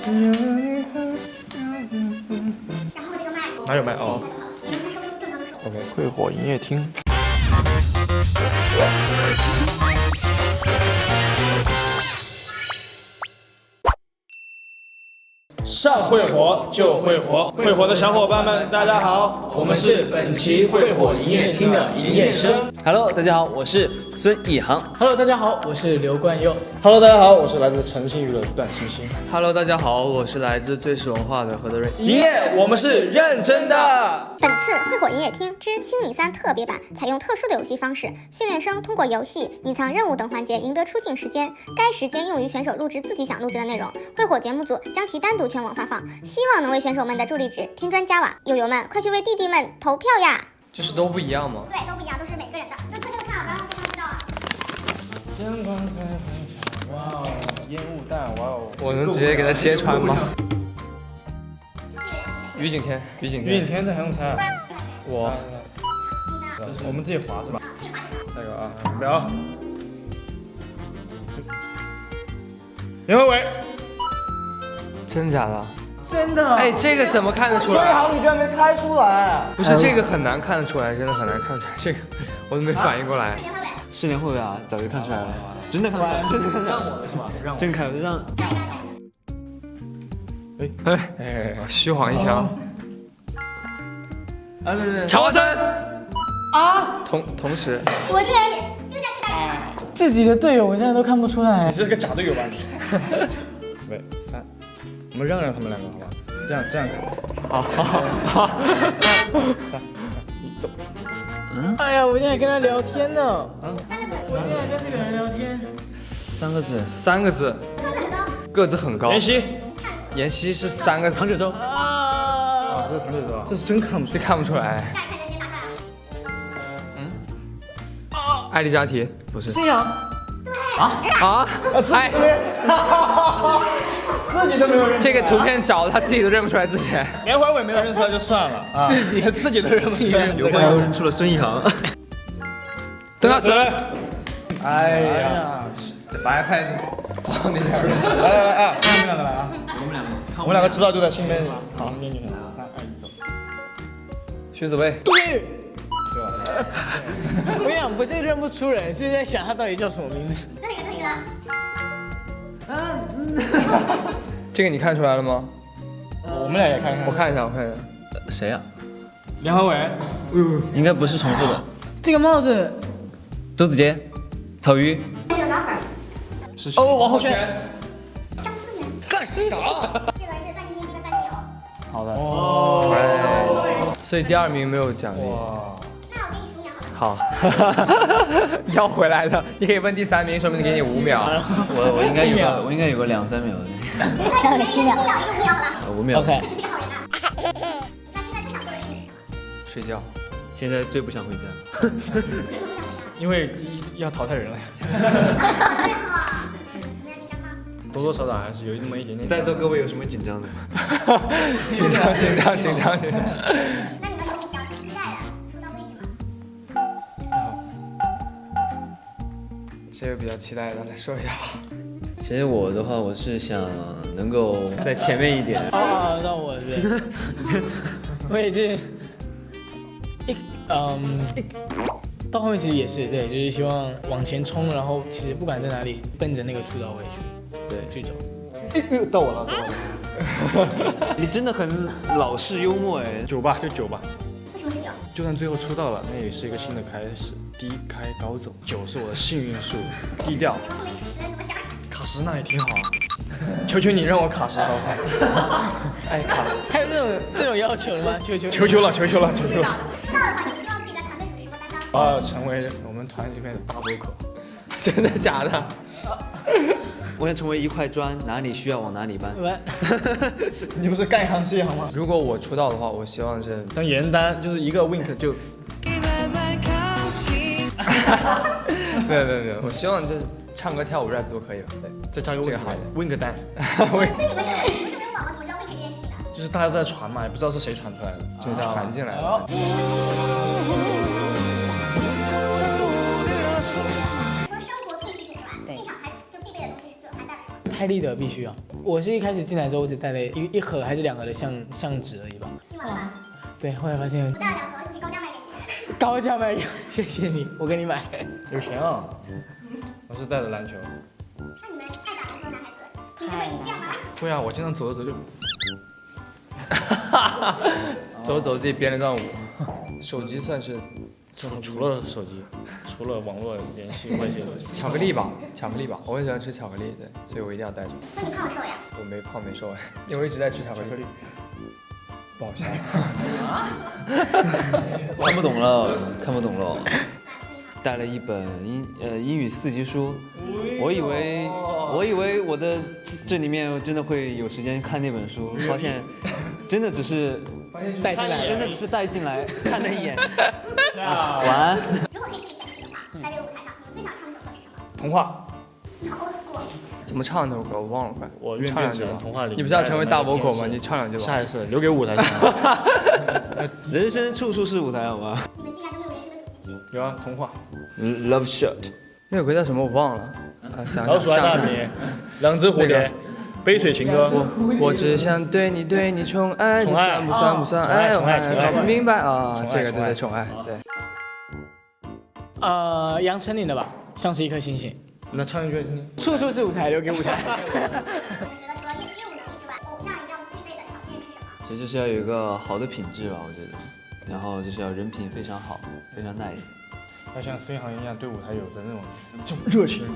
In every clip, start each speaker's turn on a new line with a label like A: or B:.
A: 哪有麦哦 ？OK， 会火营业厅。上会火就会火，会火的小伙伴们，大家好，我们是本期会火营业厅的营业生。
B: Hello， 大家好，我是孙一航。
C: Hello， 大家好，我是刘冠佑。
A: Hello， 大家好，我是来自诚信娱乐的段星星。
D: Hello， 大家好，我是来自最是文化的何德瑞。
A: 营业，我们是认真的。
E: 本次会火营业厅之清理3特别版采用特殊的游戏方式，训练生通过游戏、隐藏任务等环节赢得出境时间，该时间用于选手录制自己想录制的内容。会火节目组将其单独全网发放，希望能为选手们的助力值添砖加瓦。友友们，快去为弟弟们投票呀！
D: 就是都不一样吗？
E: 对，都不一样，都是每个人的。就悄悄唱，不要让对方知道啊。
A: 灯光开很小，哇哦，烟雾弹，哇哦，
D: 我能直接给他揭穿吗？于景天，于景天，
A: 于景天这还用猜啊？
D: 我，
A: 我们自己划是吧？那个啊，准备啊！袁伟伟，
D: 真假的？
A: 真的？
D: 哎，这个怎么看得出来？
A: 所以好，你居然没猜出来？
D: 不是这个很难看得出来，真的很难看得出来，这个我都没反应过来。
B: 4年后的啊，早就看出来了，真的看出来了，真的看出来了，
A: 让我的是吧？让我。
B: 真看让。
D: 哎，虚晃一枪。
B: 啊，对，
D: 乔华森啊，同时，
E: 我是就在看。
C: 自己的队友我现在都看不出来
A: 你。是个假队友吧你？喂，3，我们让他们两个好吧？这样可以。好。3，你走。
C: 哎呀，我现在跟他聊天呢。我现在跟这个人聊天。
B: 3个字
D: ，3个字，个子很高。
A: 妍希。
D: 妍希是3个字。
B: 唐九洲。
A: 啊，这是唐九洲啊，这是真看不出
D: 这
A: 来。
D: 看不出来。艾丽扎提不是。
C: 孙杨。
D: 啊！哎，
A: 自己都没有认出来。
D: 这个图片找他自己都认不出来自己。
A: 连怀伟没有认出来就算了，啊、自己都认不出来。
B: 刘冠佑认出了孙一航。
D: 邓亚慈。
A: 哎呀，
D: 把 iPad 放那边。
A: 来啊，你们两个来啊！我们两个知道就在心里面好念就行了。3、2、1，走。
D: 徐子薇。
C: 对。我跟你讲，不是认不出人，是在想他到底叫什么名字。
D: 这个你看出来了吗？
A: 我们俩也看一看。
D: 我看一下，我看一下。
B: 谁呀？
A: 梁怀伟。
B: 应该不是重复的。
C: 这个帽子。
B: 周子杰。草鱼。
D: 哦，王浩轩。干啥？
A: 好的。
D: 哦。所以第2名没有奖励。
A: 哇。
D: 好，要回来的，你可以问第3名，说不定给你5秒。
B: 我应该有个2、3秒的。
E: 还有个7秒。
B: 5秒。
C: OK。
D: 睡觉。
B: 现在最不想回家。
A: 因为要淘汰人了。多多少少还是有那么一点点。
B: 在座各位有什么紧张的？
D: 紧张。
E: 那你们有比较期待的出道位置吗？
D: 这个比较期待的，来说一下吧。
B: 其实我的话，我是想能够在前面一点。
C: 哦，那我是，我也是，到后面其实也是对，就是希望往前冲，然后其实不管在哪里，奔着那个出道位去走。
A: 到我了。
B: 你真的很老式幽默哎。
A: 9吧，就9吧。
E: 为什么是9？
A: 就算最后出道了，那也是一个新的开始，低开高走。9是我的幸运数，低调。卡什那也挺好啊，求求你让我卡什好不好？
D: 哎，卡。
C: 还有这种要求的吗？求
A: 求了。
E: 出道的话，你希望自己的团队属于什么担当？
A: 成为我们团里面的大 vocal。
D: 真的假的？
B: 我想成为一块砖，哪里需要往哪里搬。
A: 你不是干一行是一行吗？
D: 如果我出道的话，我希望是
A: 当严丹，就是一个 wink 就。
D: 没有，我希望就是唱歌、跳舞、rap 都可以了。对，
A: 再加个
D: 这个好
A: wink 丹。
E: 那你们不是没有网吗？怎么知道 wink 这件事情的？
A: 就是大家在传嘛，也不知道是谁传出来的，
D: 就是传进来的。
E: 说生活必需品是吧？进场还就必备的东西就还带了什么？
C: 还开立的必须啊。我是一开始进来之后，我只带了一盒还是2盒的相纸而已吧。
E: 用完了吧？
C: 对，后来发现
E: 我带了2盒，你高价卖给你。
C: 高价卖，谢谢你，我给你买。
A: 有钱啊！我是带着篮球。
E: 那你们爱打篮球的男孩子，平时会这样吗？
A: 会啊，我经常走着走就。
D: 走着走着自己编了段舞。手机算是
A: 除了手机，除了网络联系外界的。
D: 巧克力吧，巧克力吧，我很喜欢吃巧克力，对，所以我一定要带着。
E: 那你胖了瘦呀？
D: 我没胖没瘦哎，因为我一直在吃巧克力。
A: 不好笑。
B: 看不懂了，看不懂了。带了一本英语4级书，我以为我的这里面真的会有时间看那本书，发现真的只是
C: 带进来，
B: 真的只是带进来看了一眼。晚安。
E: 如果可以自己选择的话，在这个舞台上，你最想唱的首歌是什么？
A: 童话，
E: 好 old school。
D: 怎么唱那首歌我忘了，快。
A: 我愿
D: 唱两句吧
A: 变成童话里。
D: 你不是要成为大 vocal 吗？你唱两句吧。
A: 下一次留给舞台上。
B: 人生处处是舞台，好吗
E: 你们竟然都没有人生的主题曲。
A: 有啊，童话。
B: ？Love Shot。
D: 那首歌叫什么我忘了。啊，想
A: 老鼠爱大
D: 想。
A: 米，两只蝴蝶，杯水情歌。
D: 我只想对你宠爱，这
A: 宠爱
D: 算不算不算
A: 宠爱
D: 爱？
A: 宠爱宠爱
D: 搞不明白啊，
A: 宠爱
D: 这个
A: 宠爱
D: 对宠爱，对。
C: 杨丞琳的吧，像是一颗星星。
A: 那唱一句。
C: 处处是舞台，留给舞台。
E: 你们觉得除了业务能力之外，偶像一定要具备的条件是什么？
B: 其实就是要有一个好的品质吧，我觉得。然后就是要人品非常好，非常 nice。
A: 要像飞航一样对舞台有着那种热情。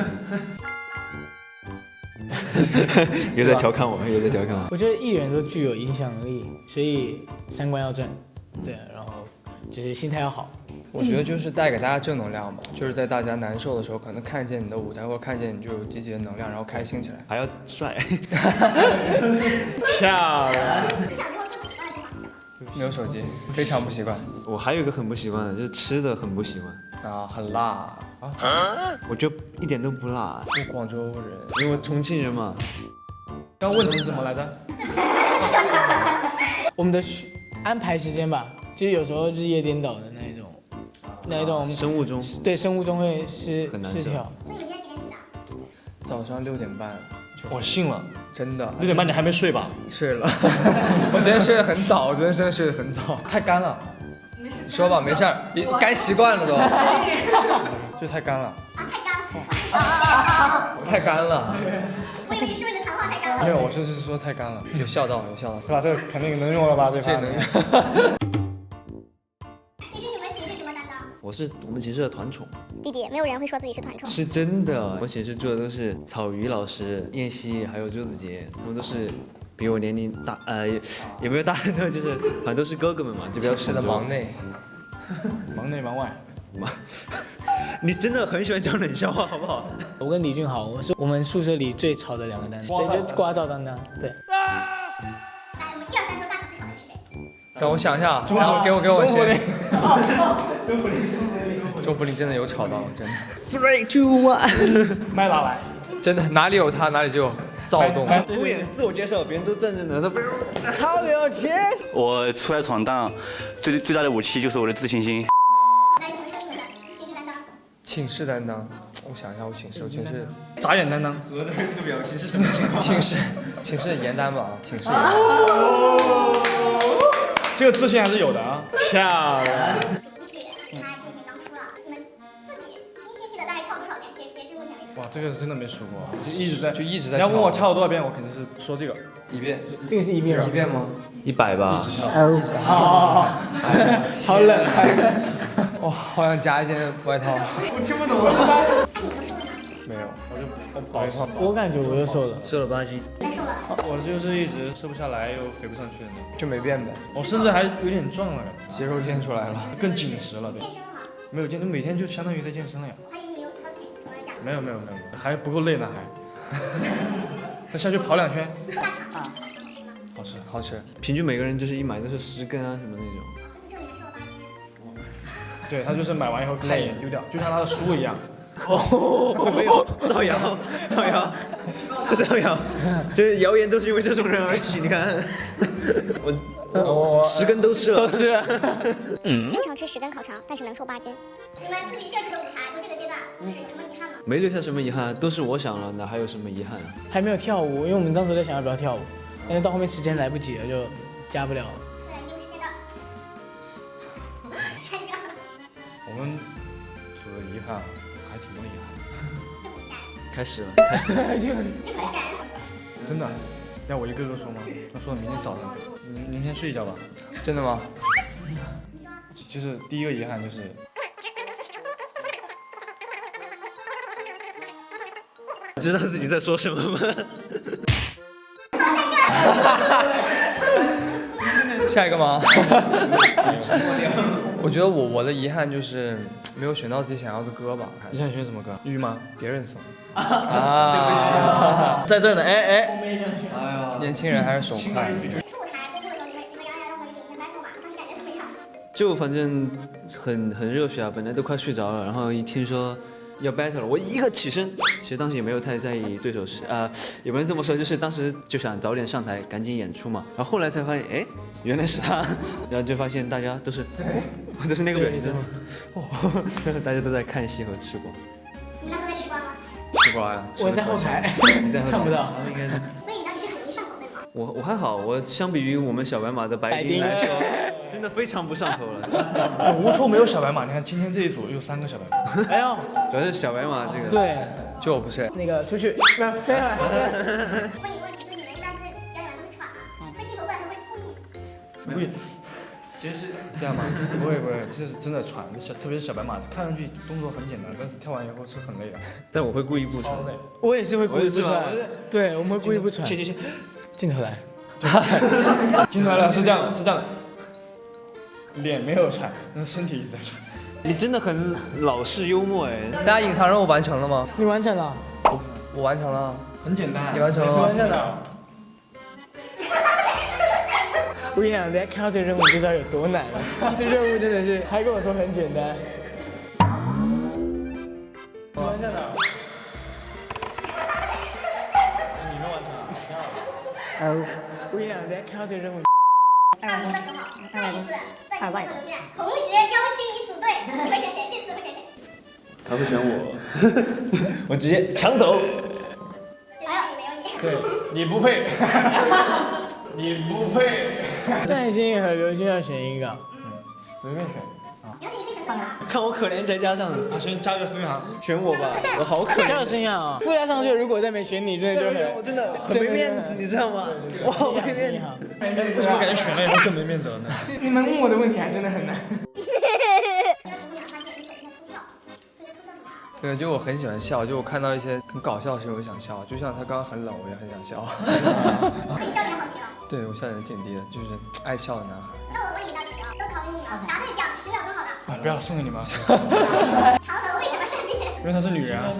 B: 又在调侃我，又在调侃我。
C: 我觉得艺人都具有影响力，所以3观要正，对，然后就是心态要好。
D: 我觉得就是带给大家正能量吧，就是在大家难受的时候，可能看见你的舞台，或者看见你就有积极的能量，然后开心起来。
B: 还要帅。
C: 漂亮。
E: 职场之后最不喜欢的地方是什么？
D: 没有手机，非常不习惯
B: 我还有一个很不习惯的，就是吃的很不习惯。
D: 啊，很辣啊！
B: 我觉得一点都不辣，
D: 我广州人，
B: 因为我重庆人嘛。
A: 刚问题是什么来着？
C: 我们的安排时间吧，就是有时候日夜颠倒的那一种，
B: 生物钟。
C: 对生物钟会
B: 很难受
C: 失调。
E: 所以你们今天几点起的？
D: 早上6点半，
A: 我信了。
D: 真的
A: 6点半你还没睡吧？
D: 睡了。我昨天睡得很早，我昨天真的睡得很早。
A: 太干了，
D: 说吧，没事儿，干习惯了都。
A: 就太干了。
E: 啊，太干了。
D: 太干了。
E: 我以为你是为了谈话太干了。
A: 没有，我是说太干了。
D: 有笑到，有笑到。
A: 对吧？这个肯定能用了吧？这
D: 这能用。
E: 其实你们寝室什么担当？
B: 我们寝室的团宠。
E: 弟弟，没有人会说自己是团宠。
B: 是真的，我寝室住的都是草鱼老师、燕西还有周子杰，他们都是比我年龄大，也没有大很多，就是反正都是哥哥们嘛，就比较
D: 寝室的
B: 宠着我
D: 忙内。
A: 忙内忙外。
B: 你真的很喜欢讲冷笑话，好不好？
C: 我跟李俊豪，我们宿舍里最吵的2个担当，对，就刮噪担当，对。
E: 来，我们1、2、3说大吵最吵的人是谁？
D: 等我想一下，给我先。钟福林真的有吵到，真的。
B: 3、2、1，
A: 麦拉来。
D: 真的哪里有他哪里就有躁动。
B: 敷衍自我介绍，别人都站着呢，他
C: 超有钱。
F: 我出来闯荡，最大的武器就是我的自信心。
E: 来，你们说你们的寝室担当。
D: 寝室担当，我想一下，我寝室
A: 眨眼担当。
B: 和的这个表情是什么情况？
D: 寝室严担吧，寝室严。
A: 这个自信还是有的啊。
C: 漂亮。
E: 一曲，他前几天刚出了，你们自己177的大概跳多少遍？截至目前为止。
A: 哇，这个真的没数过，就一直在。
D: 就
A: 你要问我跳了多少遍，我肯定是说这个。
D: 1遍，
C: 这个是1遍吗
D: 1遍吗
B: ？100吧。
C: 好冷。
D: 哇，好想加一件外套。
A: 我听不懂。
D: 没有，
A: 我保一套。
C: 我感觉我又瘦了，
B: 瘦了8斤。
E: 真瘦了。
A: 我就是一直瘦不下来又肥不上去的那种。
D: 就没变呗。
A: 我甚至还有点壮了，
D: 肌肉练出来了，
A: 更紧实了，对。
E: 健身了吗？
A: 没有健，每天就相当于在健身了呀。
E: 我还以为你有条腿什么哑。
A: 没有，还不够累呢还。再下去跑2圈。
E: 大肠
A: 好吃。
D: 好吃。
B: 平均每个人就是一买都是10根啊什么那种。
E: 这里面瘦了8斤。
A: 对他就是买完以后看一眼丢掉，就像他的书一样。
B: 没有造谣，这造谣，这谣言都是因为这种人而起。你看，我10根都吃了，
C: 都吃了。
E: 经常吃10根烤肠，但是能瘦8斤。你们自己设计的舞台，就这个阶段，是有什么遗憾吗？
B: 没留下什么遗憾，都是我想了，哪还有什么遗憾啊？
C: 还没有跳舞，因为我们当时在想要不要跳舞，但是到后面时间来不及了，就加不了了。
E: 对，有时间的。下一个。
A: 我们除了遗憾，还挺多遗憾。
B: 开始了，
A: 真的，要我一个个说吗？那说到明天早上，您先睡一觉吧。
D: 真的吗？
A: 就是第一个遗憾就是，
B: 知道自己在说什么吗？
D: 下一个吗？我觉得我的遗憾就是没有选到自己想要的歌吧。
A: 你想选什么歌？玉吗？
D: 别人送。啊，
A: 在这儿呢，哎，
D: 年轻人还是手快。
E: 初舞台公布的时候，你们杨洋让我们一起跟 battle 嘛，当时感觉怎么样？
B: 就反正很热血啊，本来都快睡着了，然后一听说要 battle 了，我一个起身，其实当时也没有太在意对手是也不能这么说，就是当时就想早点上台，赶紧演出嘛。然后后来才发现，哎，原来是他，然后就发现大家都是那个表情，大家都在看戏和吃瓜。
E: 你那时候在吃瓜吗？
D: 吃瓜呀。
C: 我在后排，看不到。
E: 所以你当时是很容易上口对吗？
B: 我还好，我相比于我们小白马的白丁来说，真的非常不上头了。
A: 无处没有小白马，你看今天这一组有3个小白马。
C: 哎呦，
B: 主要是小白马这个。
C: 对，
D: 就我不是。
C: 那个出去，没有。
E: 问你个问题，就你们一般不是表演完都会喘吗？会镜头过来，他会故意。
A: 故意。其实是这样吗？不会，这是真的喘，特别是小白马，看上去动作很简单，但是跳完以后是很累的。
B: 但我会故意不穿。
C: 我也是会故意不穿。对，我们会故意不穿。
B: 去，
C: 镜头来。
A: 镜头来了，是这样的，脸没有喘，但是身体一直在喘。
B: 你真的很老式幽默哎。
D: 大家隐藏任务完成了吗？
C: 你完成了？
D: 我完成了。
A: 很简单。
D: 你完成了吗？
C: 完成了。我跟你讲，大家看到这个任务就知道有多难了。这任务真的是，还跟我说很简单。完成了。
A: 你们完成了。
C: 我跟你讲，大家看到这个任务。
E: 唱歌的时候，再一次在外留院，同时邀请你组队，你会选谁？这次会选谁？
B: 他会选我，我直接抢走。
E: 哎呦，没有你。
A: 对，你不配，你不配。
C: 戴鑫和刘军要选一个。
A: 随便选。
E: 有你可以选谁啊？
B: 看我可怜再加上
A: 先加个孙宇航。
B: 选我吧，我好可怜。
C: 叫声呀啊！附加上去，如果再没选你，真的就很，
B: 我真的很没面子，你知道吗？我好没面子。
A: 为什么感觉选了以后更没面子了呢？
C: 你们问我的问题还真的很难。
D: 对，就我很喜欢笑，就我看到一些很搞笑的事情，我就想笑。就像他刚刚很冷，我也很想笑。
E: 你笑点好低哦。
D: 对，我笑点挺低的，就是爱笑的男孩。
E: 那我问你道题哦，都考给你们，答对奖10秒钟好的。
A: 啊，不要送给你们。
E: 嫦娥为什么善变？
A: 因为她是女人啊。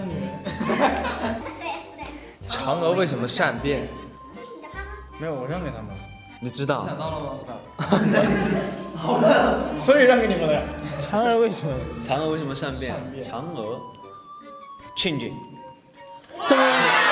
E: 对。
D: 嫦娥为什么善变？
E: 这是你的趴吗？
A: 没有，我让给他们。
B: 你知道？
D: 想到了吗？
A: 好了，所以让给你们了。
C: 嫦娥为什么？
B: 嫦娥为什么善变？嫦娥 changing。
C: 这么？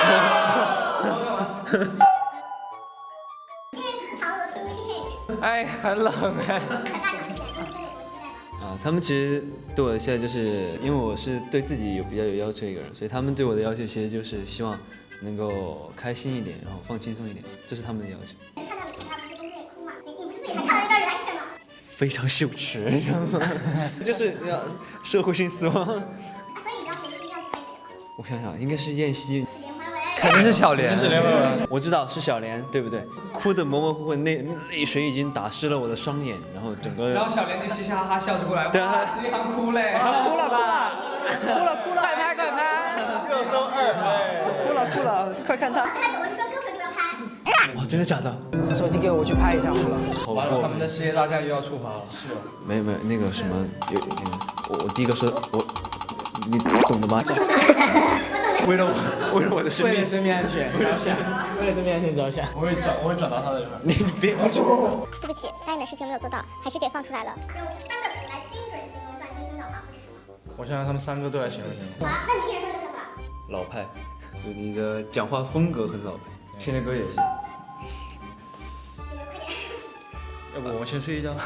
E: 因为嫦娥拼音是change。
D: 哎，很冷哎。
E: 很大奖之前，你们有什么期待吗？
B: 他们其实对我的期待就是因为我是对自己比较有要求一个人，所以他们对我的要求其实就是希望能够开心一点，然后放轻松一点，这是他们的要求。
E: 看到你他不是跟着也哭嘛？你不是自己还看了一段 reaction 吗？
B: 非常羞耻，你知道吗？就是要社会性死亡。
E: 所以你知道谁是第一个去拍谁的吗？
B: 我想想，应该是燕西，
E: 是连环尾。
D: 肯定是小莲。
A: 是连环尾。
B: 我知道是小莲，对不对？哭得模模糊糊，泪水已经打湿了我的双眼，然后整个。
D: 然后小莲就嘻嘻哈哈笑着过来，
B: 对啊，
D: 这一行哭嘞，
C: 哭了吧？快拍！
A: 热搜2，
B: 哭了，快看他！
E: 他怎么是说哥哥就要拍？
B: 哇，真的假的？
C: 手机给我去拍一下好了。
D: 完了，他们的事业大战又要触发了。是。
B: 没有那个什么我第一个说你懂的吗？为了我的生命，
C: 为了生命安全着想，为了生命安全着想。
A: 我会转到他的一块。
B: 你别说。
E: 对不起，答应的事情没有做到，还是给放出来了。用3个词来精准形容段星星的话会是什么？
A: 我想让他们3个都来形容一下。
E: 好啊，那你一人说一个词吧。
B: 老派，就你的讲话风格很老派，听的歌也行。
E: 有没有快点？
A: 要不我们先睡一觉？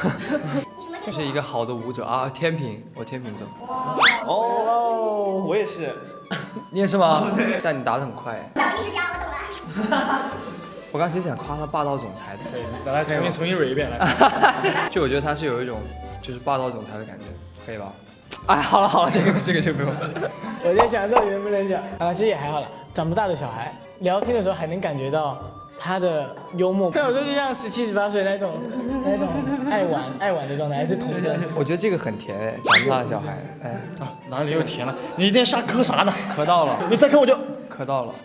D: 就是一个好的舞者啊，天平，我天平座。
B: 哦，我也是。
D: 你也是吗？对。但你答得很快。
E: 脑力失调，我懂了。
D: 我刚其实想夸他霸道总裁的，
A: 可以，咱来重新蕊一遍来。
D: 就我觉得他是有一种就是霸道总裁的感觉，可以吧？哎，好了，这个就不用。
C: 我在想到底能不能讲啊，其实也还好了。长不大的小孩聊天的时候还能感觉到他的幽默，但有时候就像17、18岁那种爱玩的状态，还是童真。
D: 我觉得这个很甜哎，长不大的小孩，哎，
A: 哪里又甜了？你一天瞎磕啥呢？
D: 磕到了，
A: 你再磕我就
D: 磕到了。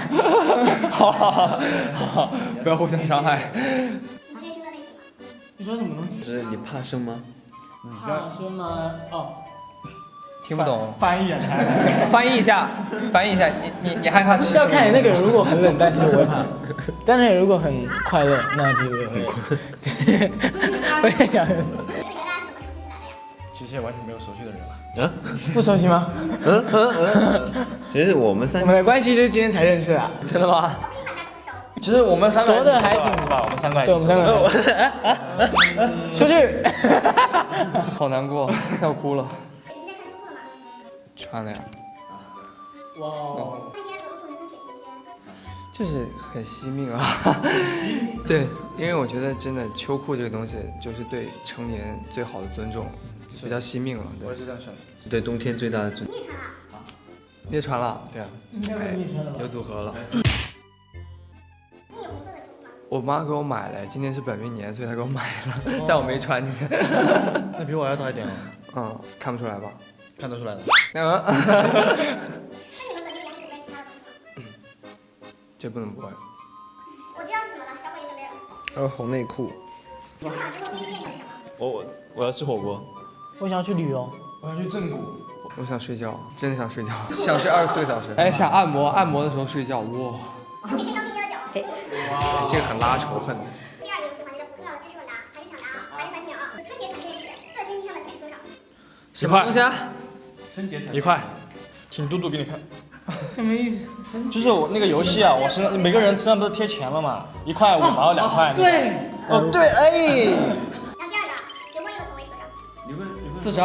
D: 好，不要互相伤害。
E: 旁边是个类型吗？
C: 你说什么东西？
B: 是你怕生吗？
C: 怕生吗？哦，
D: 听不懂，
A: 翻译啊！
D: 翻译一下，你害怕吃什么？
C: 要看你那个人如果很冷淡，其实我会怕；但是如果很快乐，那其实我也会。我也想说，
A: 其实也完全没有熟悉的人了。
C: 不熟悉吗？
B: 其实我们
C: 我们的关系就是今天才认识的。
D: 真的吗？
A: 其实我们三个
C: 熟的还挺
A: 是吧？我们三个，
C: 对，我们三个。出去。
D: 好难过，要哭了。
E: 你今天穿秋裤了吗？
D: 穿了呀，
C: 哇哦。
E: 那应该走路走成水滴
D: 就是很惜命啊。对，因为我觉得真的秋裤这个东西就是对成年最好的尊重，比较惜命了。对，
A: 我也是这样想的。
B: 对冬天最大的尊。
E: 你也穿了？
D: 你也穿了？对啊，
C: 应该是你穿的吧？
D: 有组合了。
E: 你有红色的秋裤吗？
D: 我妈给我买了，今天是本命年，所以她给我买了，但我没穿。
A: 那比我还要大一点哦。
D: 嗯，看不出来吧？
A: 看得出来的。
E: 那你们本命年还准备其他的东西吗？
D: 这不能播。
E: 我知道是什么了，小鬼也准备了。
G: 红内裤。
E: 出场之后第一件事是什么？
B: 我要吃火锅。
C: 我想要去旅游。
A: 我想去正骨。
D: 我想睡觉，真的想睡觉，想睡24个小时。哎，想按摩，按摩的时候睡觉，哇，
E: 今天刚拼接的脚。
D: 哎这个很拉仇恨的。
E: 第二个游戏环节的不重要的知识问答，还是抢答啊，还是30秒啊。春节传电视，色星星上的钱是多少？
D: 什么东西啊？
A: 1块，挺嘟嘟给你看。
C: 什么意思？
A: 就是我那个游戏啊，我身上每个人身上不是贴钱了嘛，1块5毛2块。
C: 对。
A: 哦对，哎。
E: 然后第二个，刘冠英的头围是多少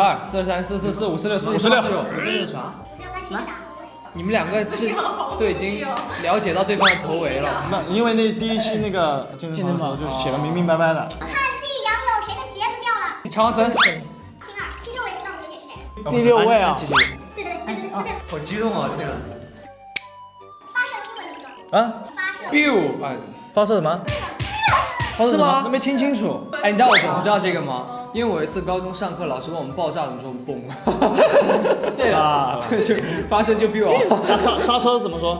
D: 42、43、44、45、46、47、46啥？
E: 不是要关心的。
D: 你们两个是都已经了解到对方的头围了。
A: 那因为那第一期那个健身房的时候就写的明明白白的。
E: 看地杨有谁的鞋子掉了？
D: 长生。
E: 青二，第6位知道的学姐是谁？
C: 第6位啊。
E: 对对对，
D: 好激动啊！天啊！
E: 发射英文的说。
A: 啊？
E: 发射。
D: biu 啊，
A: 发射什么？发射什么
D: 是吗
A: 那没听清楚。
D: 哎，你知道我怎么知道这个吗？因为我有一次高中上课，老师问我们爆炸怎么说，我们蹦。
C: 对
A: 啊，
D: 就发射就 biu 啊。
A: 那刹车怎么说？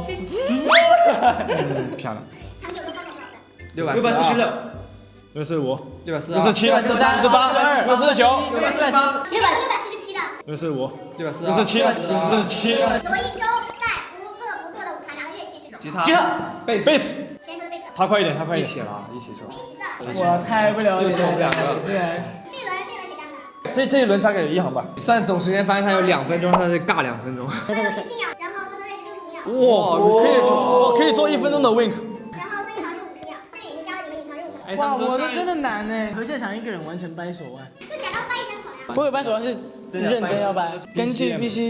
A: 漂亮。
E: 他们有多少分？
D: 646、
A: 645、
D: 642、
A: 647、648、649、
E: 647的。
A: 645、
D: 642、
A: 647、647。
E: 罗一舟在无恶不作的舞台上的乐器是什么？
D: 吉他、贝斯、
A: 贝斯，
E: 谁说的贝斯？
A: 他快一点，他快一点。
D: 一起了，一起说。
E: 一起的。
C: 我太不了解
D: 又是我们两个
C: 了。对。
A: 这一轮加给一航吧。
D: 算总时间，发现他有2分钟，他是尬2分钟。
E: 17秒，然后他的瑞是65秒，
A: 哇，我可以做1分钟的 wink。
E: 然后孙一航是50秒，这已经加了你们隐藏任务了。
C: 哇，我的真的难呢。和现场一个人完成掰手腕。
E: 就假装掰一下口呀。
C: 我有掰手腕是认真要掰，根据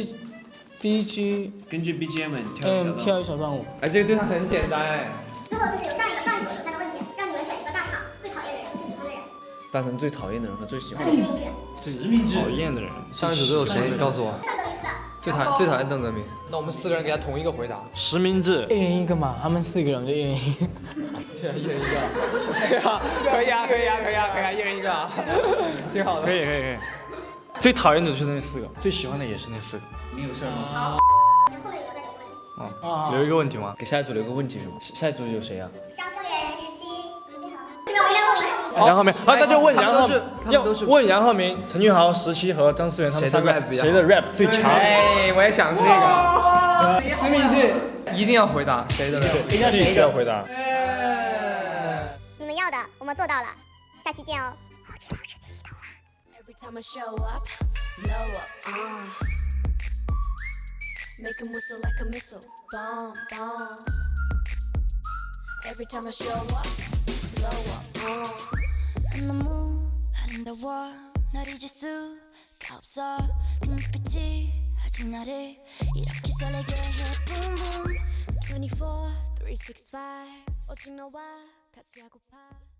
C: BGM 跳一小段舞。
D: 哎，这个对他很简单哎。
E: 最后就是有上一组有三个问题，让你们选一个大厂最讨厌的人和最喜欢的人。
B: 大成最讨厌的人和最喜欢
E: 这
B: 的人。
E: 是实名制。
A: 讨厌的人。
D: 上一组都有谁？你告诉我。
E: 邓德明出的。
D: 最讨厌邓泽明。那我们4个人给他同一个回答。
A: 实名制。
C: 一人一个嘛，他们4个人我就一人一个。
D: 对啊，一人一个。对啊，可以啊，可以啊，可以啊，可以啊，一人一个啊，挺好的。
A: 可以。最讨厌的就是那4个，最喜欢的也是那4个。
B: 你有事吗？
E: 后面有再留个问题。
A: 啊，留一个问题吗？
B: 给下一组留个问题是吗？下一组有谁啊？
E: 张思远17，准备好了。这个我一亮后名。
A: 杨浩明啊，那就问杨浩，要
D: 都是
A: 问杨浩明、陈俊豪、17和张思源他们3个谁的 rap 最强？
D: 哎，我也想这个。
C: 实名制
D: 一定要回答谁的人？
C: 一定要
A: 必须要回答。
E: 你们要的我们做到了，下期见哦。好期待17洗头啦。
H: Every time I show up, blow up, make 'em whistle like a missile, bomb, bomb. Every time I show up, blow up, 난 너무 아름다워 널 잊을 수가 없어 그 눈빛이 아직 너를 이렇게 설레게 해 boom boom 24, 365 오직 너와 같이 하고파